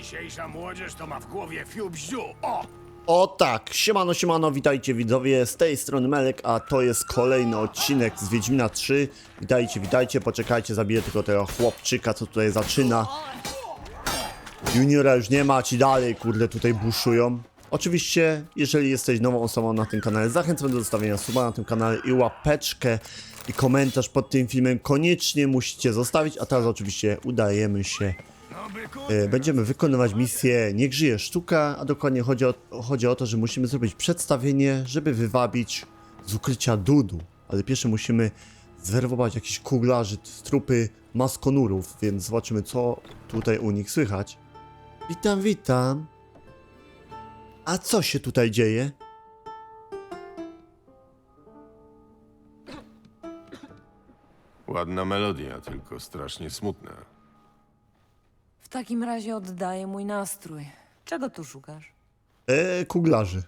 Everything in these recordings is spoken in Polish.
Dzisiejsza młodzież to ma w głowie fiu-bziu. O! O tak, siemano, siemano, witajcie widzowie, z tej strony Melek, a to jest kolejny odcinek z Wiedźmina 3. Witajcie, witajcie, poczekajcie, zabiję tylko tego chłopczyka, co tutaj zaczyna. Juniora już nie ma, ci dalej, kurde, tutaj buszują. Oczywiście, jeżeli jesteś nową osobą na tym kanale, zachęcam do zostawienia suba na tym kanale i łapeczkę i komentarz pod tym filmem koniecznie musicie zostawić, a teraz oczywiście udajemy się. Będziemy wykonywać misję Niech żyje sztuka, a dokładnie chodzi o to, że musimy zrobić przedstawienie, żeby wywabić z ukrycia Dudu. Ale pierwsze musimy zwerbować jakichś kuglarzy z trupy maskonurów, więc zobaczymy, co tutaj u nich słychać. Witam, witam. A co się tutaj dzieje? Ładna melodia, tylko strasznie smutna. W takim razie oddaję mój nastrój. Czego tu szukasz? Kuglarzy.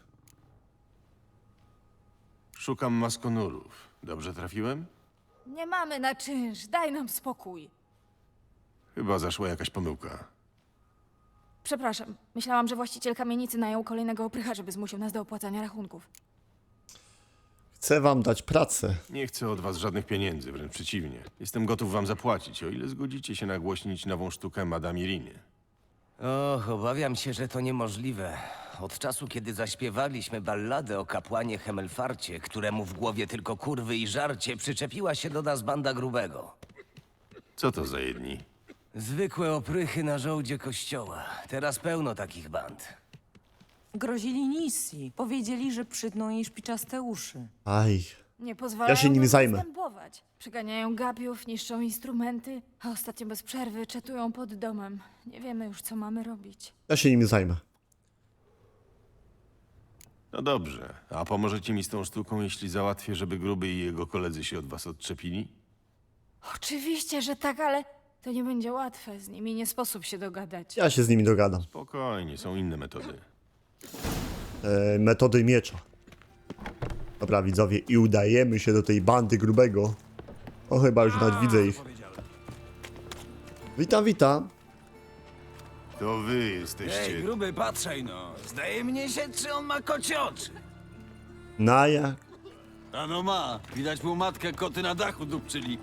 Szukam maskonurów. Dobrze trafiłem? Nie mamy na czynsz, daj nam spokój. Chyba zaszła jakaś pomyłka. Przepraszam, myślałam, że właściciel kamienicy najął kolejnego oprycha, żeby zmusił nas do opłacania rachunków. Chcę wam dać pracę. Nie chcę od was żadnych pieniędzy, wręcz przeciwnie. Jestem gotów wam zapłacić, o ile zgodzicie się nagłośnić nową sztukę Madame Iriny. Och, obawiam się, że to niemożliwe. Od czasu, kiedy zaśpiewaliśmy balladę o kapłanie Hemelfarcie, któremu w głowie tylko kurwy i żarcie, przyczepiła się do nas banda grubego. Co to za jedni? Zwykłe oprychy na żołdzie kościoła. Teraz pełno takich band. Grozili Nissi. Powiedzieli, że przytną jej szpiczaste uszy. Aj. Nie pozwalają Ja się nimi nam zajmę. zastępować. Przeganiają gapiów, niszczą instrumenty, a ostatnio bez przerwy czatują pod domem. Nie wiemy już, co mamy robić. Ja się nimi zajmę. No dobrze, a pomożecie mi z tą sztuką, jeśli załatwię, żeby Gruby i jego koledzy się od was odczepili? Oczywiście, że tak, ale to nie będzie łatwe. Z nimi nie sposób się dogadać. Ja się z nimi dogadam. Spokojnie, są inne metody. Metody miecza. Dobra, widzowie, i udajemy się do tej bandy grubego. O, chyba już nawet widzę ich. Witam, witam. To wy jesteście... Gruby, patrzaj no. Zdaje mnie się, czy on ma kocie oczy. Na jak? A no ma, widać mu matkę koty na dachu dupczyli.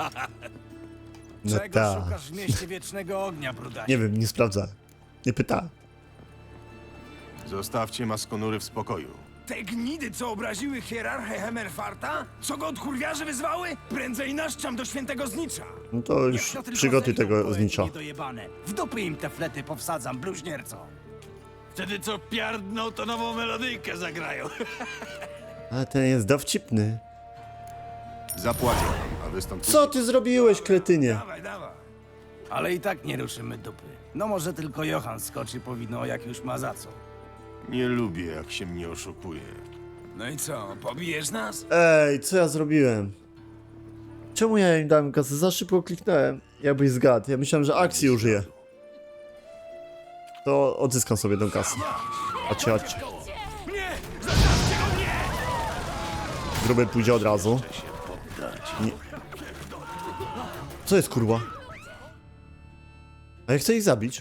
No Czego ta. szukasz w mieście wiecznego ognia, brudasie? Nie wiem, nie sprawdzałem. Nie pytałem. Zostawcie maskonury w spokoju. Te gnidy, co obraziły hierarchę Hemerfarta? Co go od kurwiarzy wyzwały? Prędzej naszczam do świętego znicza. No to już Niech to tylko przygotuj zejdą tego poety znicza. niedojebane. W dupy im te flety powsadzam, bluźnierco. Wtedy co piardną, to nową melodyjkę zagrają. Ale ten jest dowcipny. Zapłacę wam, a wy stąd Co ty zrobiłeś, kretynie? Dawaj, dawaj. Ale i tak nie ruszymy dupy. No może tylko Johan skoczy po wino, jak już ma za co. Nie lubię, jak się mnie oszukuje. No i co, pobijesz nas? Ej, co ja zrobiłem? Czemu ja im dałem kasę? Za szybko kliknąłem. Jakbyś zgadł. Ja myślałem, że akcji użyję. To odzyskam sobie tą kasę. Chodźcie, chodźcie. Nie! Zostawcie go mnie! Gruby pójdzie od razu. Nie. Co jest, kurwa? A ja chcę ich zabić.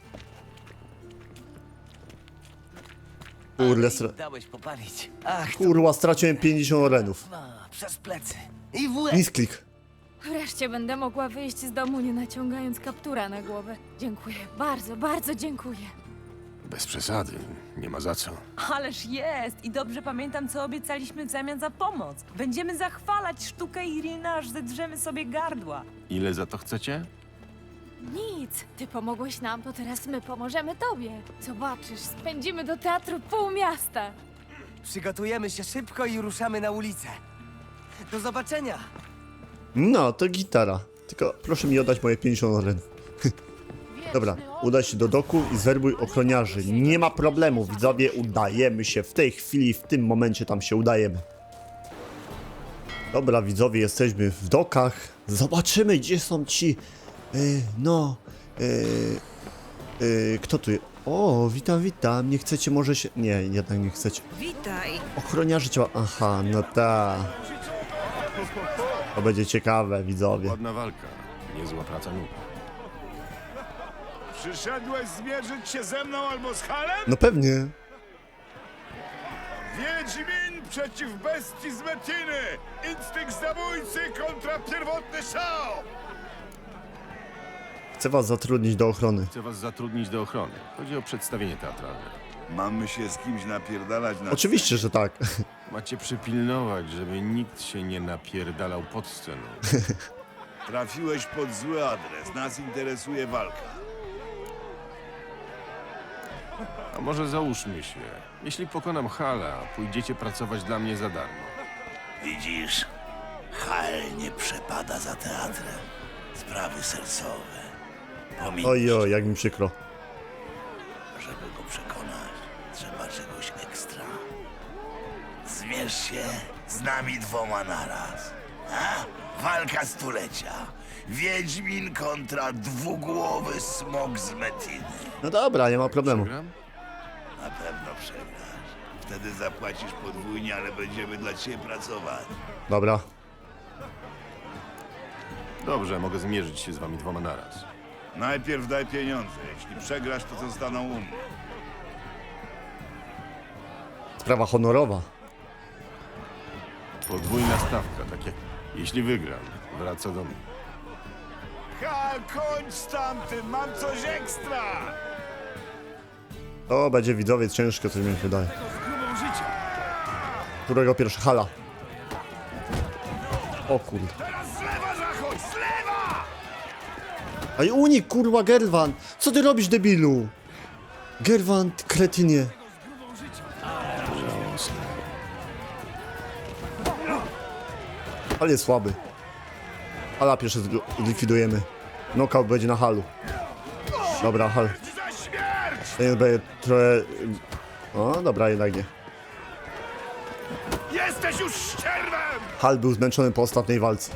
Kurde, Dałeś popalić. Ach, kurwa, straciłem 50 orenów. przez plecy. I w łeb. Misklik. Wreszcie będę mogła wyjść z domu, nie naciągając kaptura na głowę. Dziękuję, bardzo, bardzo dziękuję. Bez przesady, nie ma za co. Ależ jest! I dobrze pamiętam, co obiecaliśmy w zamian za pomoc. Będziemy zachwalać sztukę Iriny, aż zedrzemy sobie gardła. Ile za to chcecie? Nic, ty pomogłeś nam, to teraz my pomożemy tobie. Zobaczysz, spędzimy do teatru pół miasta. Przygotujemy się szybko i ruszamy na ulicę. Do zobaczenia. No, to gitara. Tylko proszę mi oddać moje 50 orenów. Dobra, udaj się do doku i zwerbuj ochroniarzy. Nie ma problemu, widzowie, udajemy się. W tej chwili, w tym momencie tam się udajemy. Dobra, widzowie, jesteśmy w dokach. Zobaczymy, gdzie są ci... kto tu jest? O, witam, witam. Nie chcecie może się... Nie, jednak nie chcecie. Witaj! Ochroniarzy ciała... Aha, no ta. To będzie ciekawe, widzowie. Ładna walka, niezła praca nóg. Przyszedłeś zmierzyć się ze mną albo z Halem? No pewnie. Wiedźmin przeciw bestii z Metiny! Instynkt zabójcy kontra pierwotny szał! Chcę was zatrudnić do ochrony. Chcę was zatrudnić do ochrony. Chodzi o przedstawienie teatralne. Mamy się z kimś napierdalać na... Oczywiście, że tak. Macie przypilnować, żeby nikt się nie napierdalał pod sceną. Trafiłeś pod zły adres. Nas interesuje walka. A może załóżmy się, jeśli pokonam Hala, pójdziecie pracować dla mnie za darmo. Widzisz, Hal nie przepada za teatrem. Sprawy sercowe. Ojoj, jak mi przykro. Żeby go przekonać, trzeba czegoś ekstra. Zmierz się z nami dwoma naraz. A? Walka stulecia. Wiedźmin kontra dwugłowy smok z Metiny. No dobra, nie ma problemu. Gram? Na pewno przegrasz. Wtedy zapłacisz podwójnie, ale będziemy dla ciebie pracować. Dobra. Dobrze, mogę zmierzyć się z wami dwoma naraz. Najpierw daj pieniądze. Jeśli przegrasz, to zostaną u mnie. Sprawa honorowa. Podwójna stawka, tak jak jeśli wygram, wraca do mnie. Hal, kończ z tamtym! Mam coś ekstra! To będzie widzowie ciężko, coś mi się wydaje. Z grubą życia. Którego pierwszy Hala? O kurde. Teraz z lewa zachodź! Z lewa! Aj unik, kurwa, Gerwan! Co ty robisz, debilu? Gerwan, ty kretynie. Ale jest słaby. Hala pierwszy zlikwidujemy. Knockout będzie na Halu. Dobra, Hal. Za śmierć! Ten będzie trochę... O, dobra, jednak nie. Jesteś już ścierwem! Hal był zmęczony po ostatniej walce.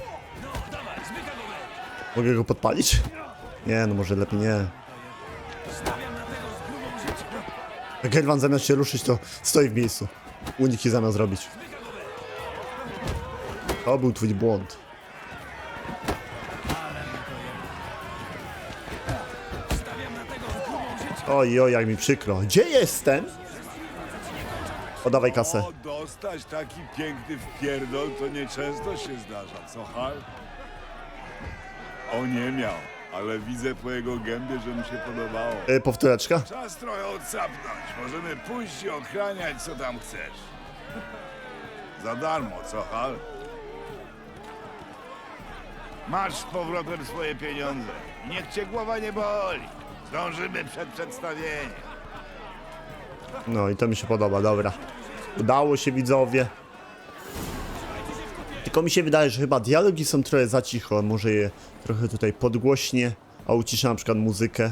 Mogę go podpalić? Nie, no może lepiej nie. Gerwan zamiast się ruszyć, to stoi w miejscu. Uniki zamiast robić. To był twój błąd. Oj, oj, jak mi przykro. Gdzie jestem? Oddawaj kasę. O, dostać taki piękny wpierdol to nieczęsto się zdarza, co Hal? O, nie miał, ale widzę po jego gębie, że mu się podobało. Powtóreczka? Czas trochę odsapnąć. Możemy pójść i ochraniać, co tam chcesz. Za darmo, co Hal? Masz z powrotem swoje pieniądze. Niech cię głowa nie boli. Zdążymy przed przedstawieniem. No i to mi się podoba, dobra. Udało się, widzowie. Tylko mi się wydaje, że chyba dialogi są trochę za cicho. Może je trochę tutaj podgłośnie, a uciszę na przykład muzykę.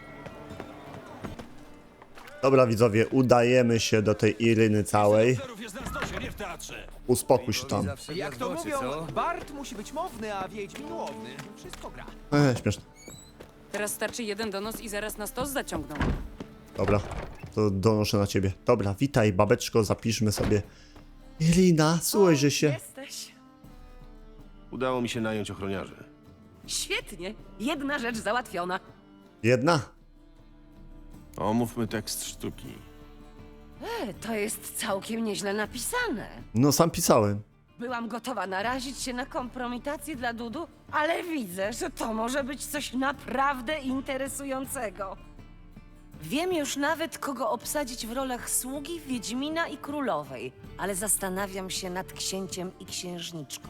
Dobra, widzowie, udajemy się do tej Iryny całej. Uspokój się tam. Jak to mówią, Bart musi być mowny, a Wiedźmin łowny. Wszystko gra. Śmieszne. Teraz starczy jeden donos i zaraz nas to zaciągną. Dobra, to donoszę na ciebie. Dobra, witaj, babeczko, zapiszmy sobie. Irina, słuchajże się. Jesteś. Udało mi się nająć ochroniarzy. Świetnie. Jedna rzecz załatwiona. Jedna? Omówmy tekst sztuki. To jest całkiem nieźle napisane. No, sam pisałem. Byłam gotowa narazić się na kompromitację dla Dudu, ale widzę, że to może być coś naprawdę interesującego. Wiem już nawet, kogo obsadzić w rolach sługi, wiedźmina i królowej, ale zastanawiam się nad księciem i księżniczką.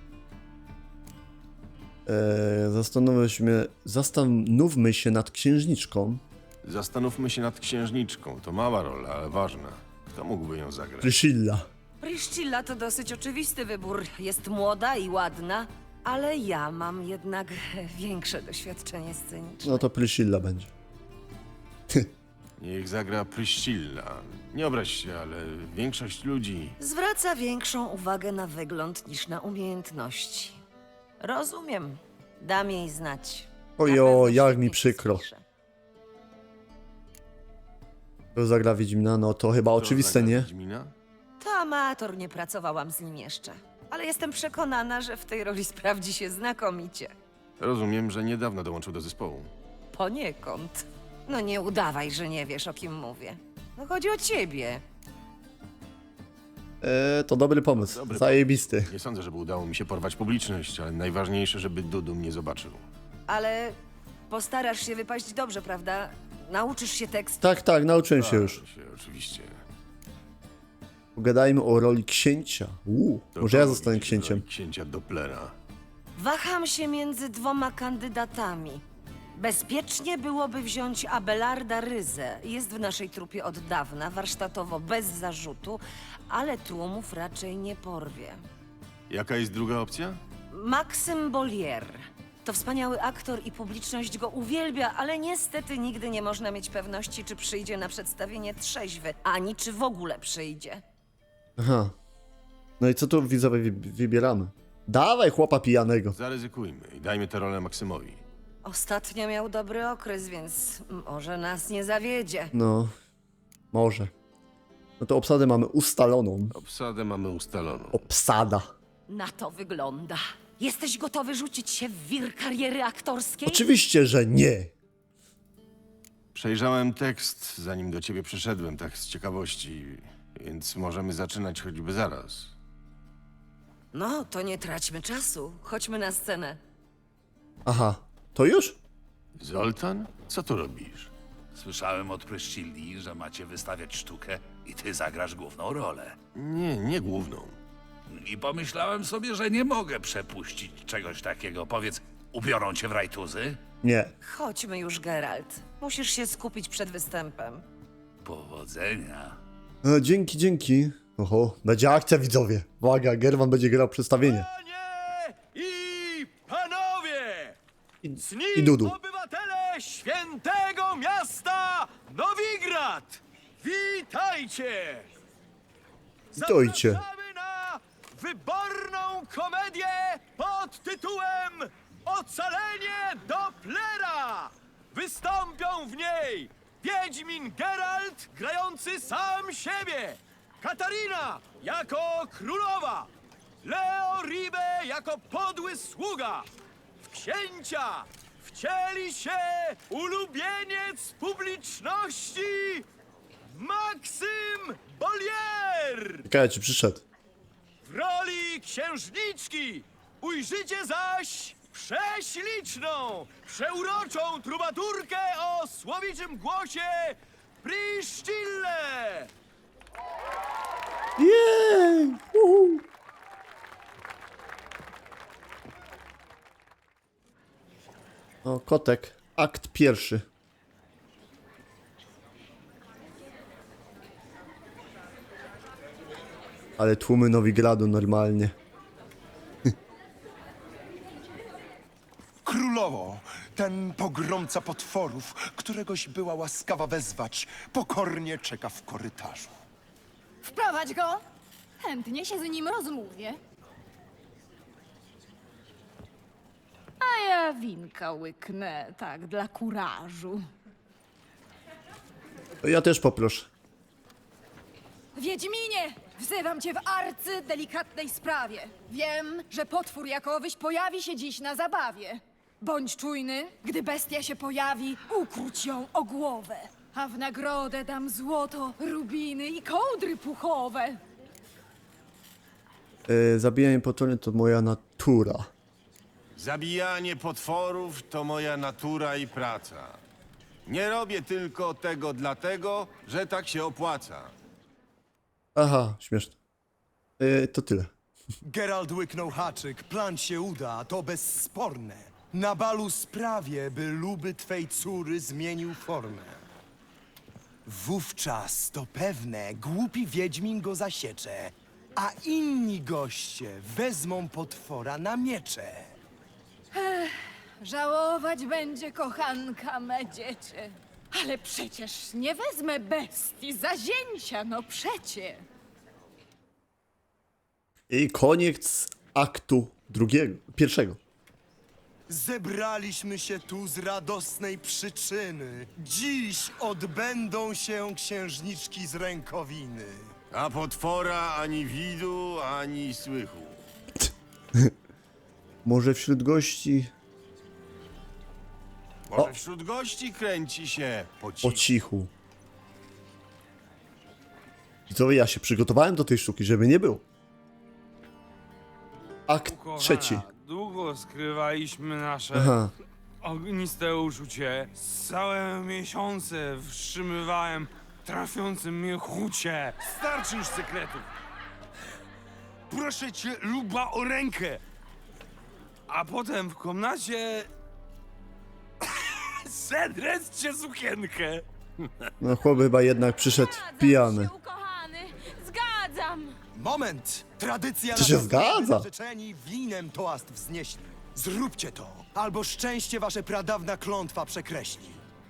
Zastanówmy się nad księżniczką. Zastanówmy się nad księżniczką. To mała rola, ale ważna. Kto mógłby ją zagrać? Priscilla. Priscilla to dosyć oczywisty wybór. Jest młoda i ładna, ale ja mam jednak większe doświadczenie sceniczne. No to Priscilla będzie. Niech zagra Priscilla. Nie obraź się, ale większość ludzi... Zwraca większą uwagę na wygląd niż na umiejętności. Rozumiem. Dam jej znać. Na pewno Ojo, jak świetnie mi się przykro. spisze. Kto zagra Wiedźmina? No to chyba Kto oczywiste, zagra nie? Wiedźmina? To amator, nie pracowałam z nim jeszcze. Ale jestem przekonana, że w tej roli sprawdzi się znakomicie. Rozumiem, że niedawno dołączył do zespołu. Poniekąd. No nie udawaj, że nie wiesz, o kim mówię. No chodzi o ciebie. To dobry pomysł. Dobry Zajebisty. Nie sądzę, żeby udało mi się porwać publiczność, ale najważniejsze, żeby Dudu mnie zobaczył. Ale postarasz się wypaść dobrze, prawda? Nauczysz się tekstu. Tak, nauczyłem się już. Oczywiście. Pogadajmy o roli księcia. To Może ja kogo zostanę widzisz w roli księciem. Księcia Dopplera. Waham się między dwoma kandydatami. Bezpiecznie byłoby wziąć Abelarda Ryzę. Jest w naszej trupie od dawna, warsztatowo bez zarzutu, ale tłumów raczej nie porwie. Jaka jest druga opcja? Maksym Bollier. To wspaniały aktor i publiczność go uwielbia, ale niestety nigdy nie można mieć pewności, czy przyjdzie na przedstawienie trzeźwy, ani czy w ogóle przyjdzie. Aha. No i co tu widzowie wybieramy? Dawaj chłopa pijanego. Zaryzykujmy i dajmy tę rolę Maksymowi. Ostatnio miał dobry okres, więc może nas nie zawiedzie. No, może. No to obsadę mamy ustaloną. Obsadę mamy ustaloną. Obsada. Na to wygląda. Jesteś gotowy rzucić się w wir kariery aktorskiej? Oczywiście, że nie. Przejrzałem tekst, zanim do ciebie przyszedłem, tak z ciekawości, więc możemy zaczynać choćby zaraz. No, to nie traćmy czasu. Chodźmy na scenę. Aha, to już? Zoltan? Co tu robisz? Słyszałem od Pryszcilli, że macie wystawiać sztukę i ty zagrasz główną rolę. Nie główną. I pomyślałem sobie, że nie mogę przepuścić czegoś takiego. Powiedz, ubiorą cię w rajtuzy? Nie. Chodźmy już, Geralt. Musisz się skupić przed występem. Powodzenia. Dzięki. Oho, będzie akcja widzowie. Uwaga, Gerwan będzie grał przedstawienie. Panie i panowie! I Dudu. Obywatele świętego miasta Nowigrad! Witajcie! Witajcie. Zapraszamy na wyborną komedię pod tytułem Ocalenie Dopplera! Wystąpią w niej Wiedźmin Geralt grający sam siebie, Katarina jako królowa, Leo Ribe jako podły sługa. W księcia wcieli się ulubieniec publiczności Maksym Bollier! Ciekawe, czy przyszedł. W roli księżniczki ujrzycie zaś prześliczną, przeuroczą trubaturkę o słowiczym głosie Pryszcillę! Jej! Uhu. O, kotek. Akt pierwszy. Ale tłumy Nowigradu normalnie. Królowo, ten pogromca potworów, któregoś była łaskawa wezwać, pokornie czeka w korytarzu. Wprowadź go! Chętnie się z nim rozmówię. A ja winka łyknę, tak, dla kurażu. Ja też poproszę. Wiedźminie! Wzywam cię w delikatnej sprawie. Wiem, że potwór jakowyś pojawi się dziś na zabawie. Bądź czujny, gdy bestia się pojawi, ukróć ją o głowę. A w nagrodę dam złoto, rubiny i kołdry puchowe. Zabijanie potwory to moja natura. Zabijanie potworów to moja natura i praca. Nie robię tylko tego dlatego, że tak się opłaca. Aha, śmieszne. To tyle. Geralt łyknął haczyk, plan się uda, to bezsporne. Na balu sprawię, by luby twej córy zmienił formę. Wówczas to pewne, głupi wiedźmin go zasiecze, a inni goście wezmą potwora na miecze. Żałować będzie kochanka me dziecię. Ale przecież nie wezmę bestii za zięcia, no przecie. I koniec aktu pierwszego. Zebraliśmy się tu z radosnej przyczyny. Dziś odbędą się księżniczki z rękowiny. A potwora ani widu, ani słychu. Może wśród gości... Może wśród gości kręci się po Po cichu. cichu. Widzowie, ja się przygotowałem do tej sztuki, żeby nie było. Akt trzeci. Długo skrywaliśmy nasze Aha. ogniste uczucie. Całe miesiące wstrzymywałem trafiące mnie chucie. Starczy już sekretów. Proszę cię, Luba, o rękę. A potem w komnacie... Sedrec cię sukienkę. No chłop chyba jednak przyszedł pijany. Ukochany, zgadzam! Moment! Tradycja To się nakazuje, zgadza. by narzeczeni winem toast wznieśli. Zróbcie to, albo szczęście wasze pradawna klątwa przekreśli.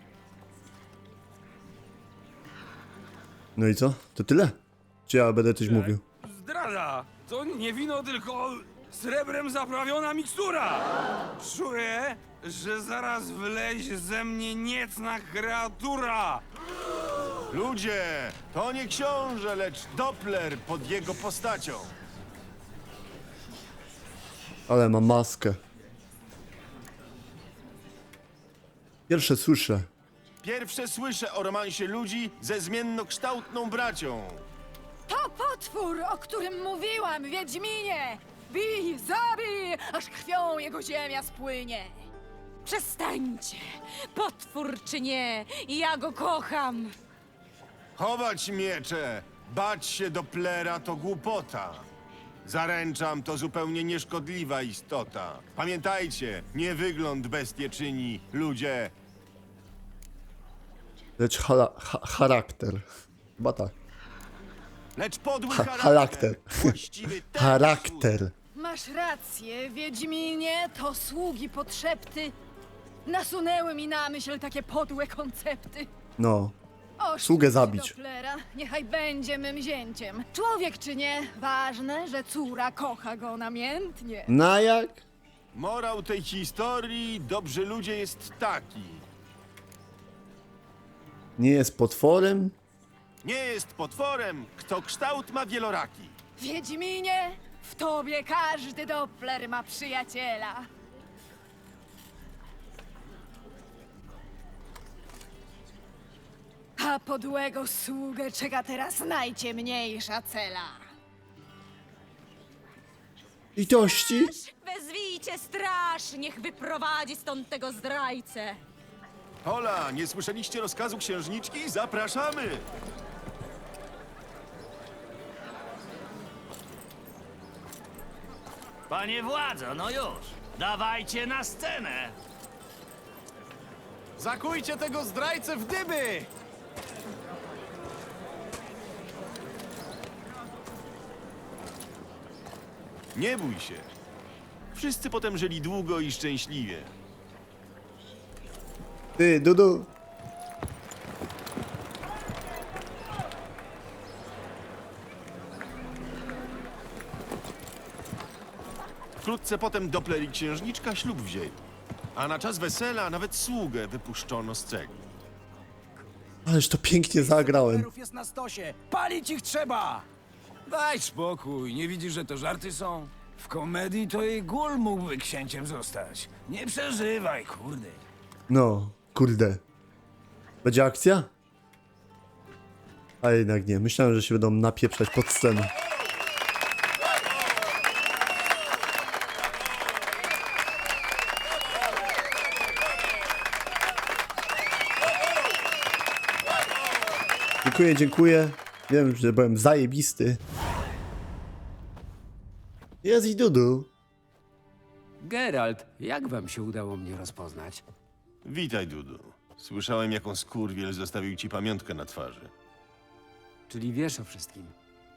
No i co? To tyle? Czy ja będę coś mówił? Zdrada! To nie wino, tylko srebrem zaprawiona mikstura! Czuję, że zaraz wylezie ze mnie niecna kreatura! Ludzie, to nie książę, lecz Doppler pod jego postacią. Ale mam maskę. Pierwsze słyszę. Pierwsze słyszę o romansie ludzi ze zmiennokształtną bracią. To potwór, o którym mówiłam, Wiedźminie! Bij, zabij, aż krwią jego ziemia spłynie! Przestańcie! Potwór czy nie, ja go kocham! Chować miecze, bać się Dopplera to głupota. Zaręczam, to zupełnie nieszkodliwa istota. Pamiętajcie, nie wygląd bestie czyni, ludzie. Lecz charakter. Chyba tak. Lecz podły Charakter. właściwy ten Charakter. Masz rację, Wiedźminie, to sługi podszepty nasunęły mi na myśl takie podłe koncepty. No. Oszczędź Sługę zabić. Dopplera, niechaj będzie mym zięciem. Człowiek czy nie, ważne, że córa kocha go namiętnie. Na jak? Morał tej historii, dobrzy ludzie, jest taki. Nie jest potworem? Nie jest potworem, kto kształt ma wieloraki. Wiedźminie, w tobie każdy Doppler ma przyjaciela. A podłego sługę czeka teraz najciemniejsza cela. Litości? Wezwijcie straż, niech wyprowadzi stąd tego zdrajcę! Hola, nie słyszeliście rozkazu księżniczki? Zapraszamy! Panie władzo, no już! Dawajcie na scenę! Zakujcie tego zdrajcę w dyby! Nie bój się. Wszyscy potem żyli długo i szczęśliwie. Ty, Dudu. Wkrótce potem Doppler i księżniczka ślub wzięli. A na czas wesela nawet sługę wypuszczono z cegły. Ależ to pięknie zagrałem. Jest na stosie. Palić ich trzeba! Daj spokój, nie widzisz, że to żarty są? W komedii to i Gul mógłby księciem zostać. Nie przeżywaj, kurde. No, kurde. Będzie akcja? A jednak nie. Myślałem, że się będą napieprzać pod scenę. Dziękuję, dziękuję. Wiem, że byłem zajebisty. Jest i Dudu. Geralt, jak wam się udało mnie rozpoznać? Witaj, Dudu. Słyszałem, jaką skurwiel zostawił ci pamiątkę na twarzy. Czyli wiesz o wszystkim.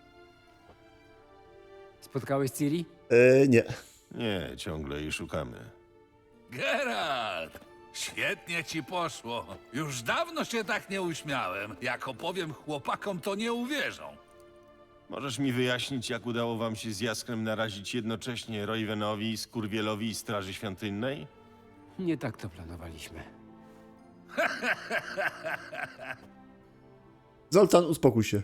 Spotkałeś Ciri? Nie. Nie, ciągle jej szukamy. Geralt! Świetnie ci poszło. Już dawno się tak nie uśmiałem. Jak opowiem chłopakom, to nie uwierzą. Możesz mi wyjaśnić, jak udało wam się z Jaskrem narazić jednocześnie Roywenowi, Skurwielowi i Straży Świątynnej? Nie tak to planowaliśmy. Zoltan, uspokój się.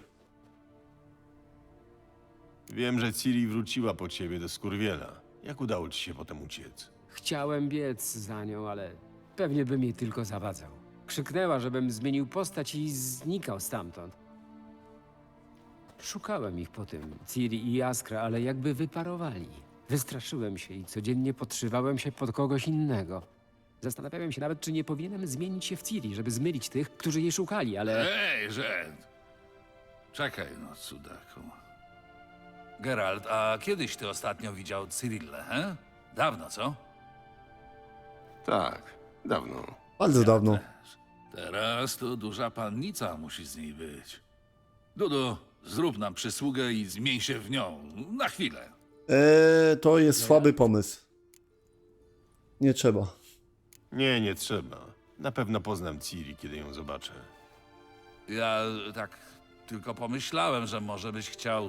Wiem, że Ciri wróciła po ciebie do Skurwiela. Jak udało ci się potem uciec? Chciałem biec za nią, ale pewnie bym jej tylko zawadzał. Krzyknęła, żebym zmienił postać i znikał stamtąd. Szukałem ich po tym, Ciri i Jaskra, ale jakby wyparowali. Wystraszyłem się i codziennie podszywałem się pod kogoś innego. Zastanawiałem się nawet, czy nie powinienem zmienić się w Ciri, żeby zmylić tych, którzy jej szukali, ale... Ej, Rzęd! Czekaj no, cudaku. Geralt, a kiedyś ty ostatnio widział Cyrillę, he? Dawno, co? Tak, dawno. Bardzo dawno. Też. Teraz to duża pannica musi z niej być. Dudu, zrób nam przysługę i zmień się w nią. Na chwilę. To jest słaby pomysł. Nie trzeba. Nie trzeba. Na pewno poznam Ciri, kiedy ją zobaczę. Ja tak tylko pomyślałem, że może byś chciał...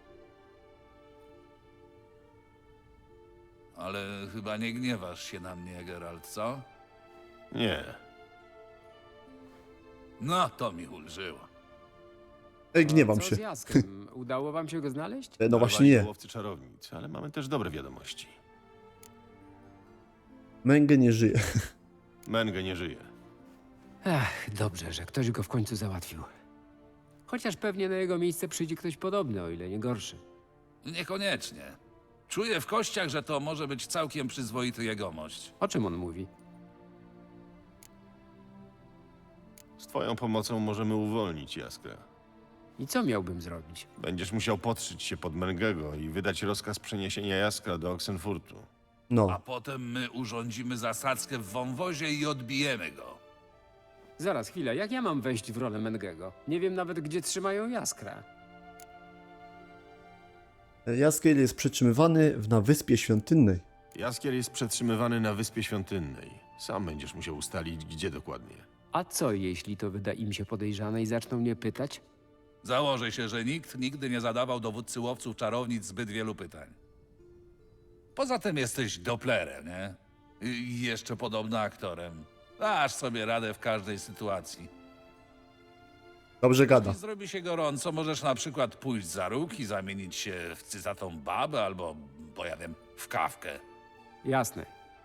Ale chyba nie gniewasz się na mnie, Geralt, co? Nie. No, to mi ulżyło. Gniewam Co się. z Jaskrem? Udało wam się go znaleźć? No właśnie nie. Łowcy czarownic, ale mamy też dobre wiadomości. Menge nie żyje. Menge nie żyje. Ach, dobrze, że ktoś go w końcu załatwił. Chociaż pewnie na jego miejsce przyjdzie ktoś podobny, o ile nie gorszy. Niekoniecznie. Czuję w kościach, że to może być całkiem przyzwoity jegomość. O czym on mówi? Z twoją pomocą możemy uwolnić Jaskra. I co miałbym zrobić? Będziesz musiał podszyć się pod Mengego i wydać rozkaz przeniesienia Jaskra do Oxenfurtu. No. A potem my urządzimy zasadzkę w wąwozie i odbijemy go. Zaraz, chwilę, jak ja mam wejść w rolę Mengego? Nie wiem nawet, gdzie trzymają Jaskra. Jaskier jest przetrzymywany na Wyspie Świątynnej. Jaskier jest przetrzymywany na Wyspie Świątynnej. Sam będziesz musiał ustalić, gdzie dokładnie. A co, jeśli to wyda im się podejrzane i zaczną mnie pytać? Założę się, że nikt nigdy nie zadawał dowódcy łowców czarownic zbyt wielu pytań. Poza tym jesteś Dopplerem, nie? I jeszcze podobno aktorem. Dasz sobie radę w każdej sytuacji. Dobrze gada. Jeśli zrobi się gorąco, możesz na przykład pójść za róg i zamienić się w cyzatą babę albo, bo ja wiem, w kawkę. Jasne.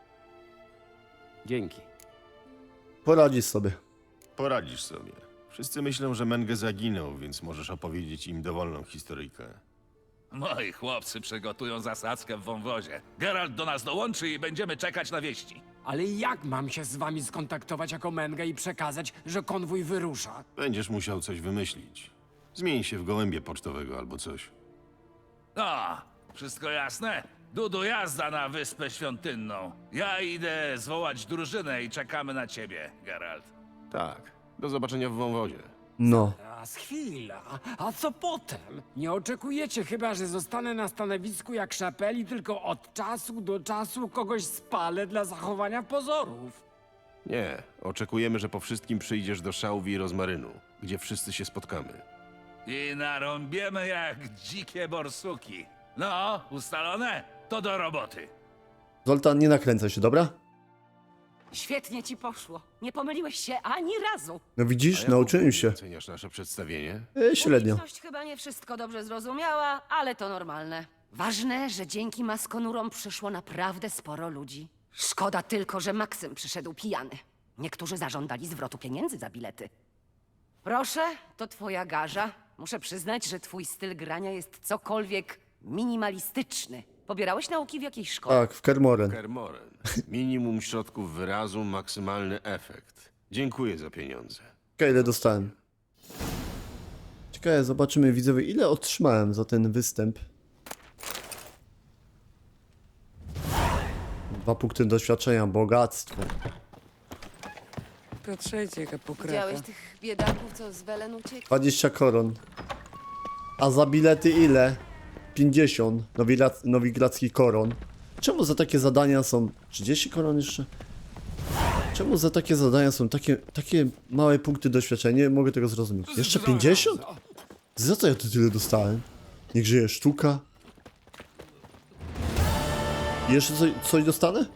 Dzięki. Poradzisz sobie. Poradzisz sobie. Wszyscy myślą, że Menge zaginął, więc możesz opowiedzieć im dowolną historyjkę. Moi chłopcy przygotują zasadzkę w wąwozie. Geralt do nas dołączy i będziemy czekać na wieści. Ale jak mam się z wami skontaktować jako Menge i przekazać, że konwój wyrusza? Będziesz musiał coś wymyślić. Zmień się w gołębie pocztowego albo coś. No, wszystko jasne? Dudu, jazda na Wyspę Świątynną. Ja idę zwołać drużynę i czekamy na ciebie, Geralt. Tak. Do zobaczenia w wąwozie. No. Teraz chwila, a co potem? Nie oczekujecie chyba, że zostanę na stanowisku jak Szapeli, tylko od czasu do czasu kogoś spalę dla zachowania pozorów. Nie. Oczekujemy, że po wszystkim przyjdziesz do Szałwi i Rozmarynu, gdzie wszyscy się spotkamy. I narąbiemy jak dzikie borsuki. No, ustalone? To do roboty. Zoltan, nie nakręcaj się, dobra? Świetnie ci poszło. Nie pomyliłeś się ani razu. No widzisz, nauczyłem się. Oceniasz nasze przedstawienie? Średnio. Publiczność chyba nie wszystko dobrze zrozumiała, ale to normalne. Ważne, że dzięki maskonurom przyszło naprawdę sporo ludzi. Szkoda tylko, że Maksym przyszedł pijany. Niektórzy zażądali zwrotu pieniędzy za bilety. Proszę, to twoja garza. Muszę przyznać, że twój styl grania jest cokolwiek minimalistyczny. Pobierałeś nauki w jakiejś szkole? Tak, w Kermoren. Kermoren. Minimum środków wyrazu, maksymalny efekt. Dziękuję za pieniądze. Okej, ile dostałem. Ciekawe, zobaczymy widzowie, ile otrzymałem za ten występ. 2 punkty doświadczenia, bogactwo. Patrzajcie, jaka pokraka. Widziałeś tych biedaków, co z Welen uciekli? 20 koron. A za bilety ile? 50 nowigradzkich koron. Czemu za takie zadania są... 30 koron jeszcze? Czemu za takie zadania są takie małe punkty doświadczenia? Nie mogę tego zrozumieć. Jeszcze 50? Za co ja tu tyle dostałem? Niech żyje sztuka. I jeszcze coś dostanę?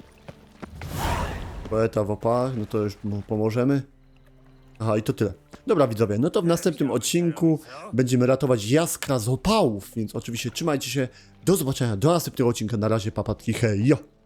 Poeta w opałach, no to już mu pomożemy. Aha, i to tyle. Dobra widzowie, no to w następnym odcinku będziemy ratować Jaskra z opałów, więc oczywiście trzymajcie się. Do zobaczenia, do następnego odcinka. Na razie, papatki, hej, jo!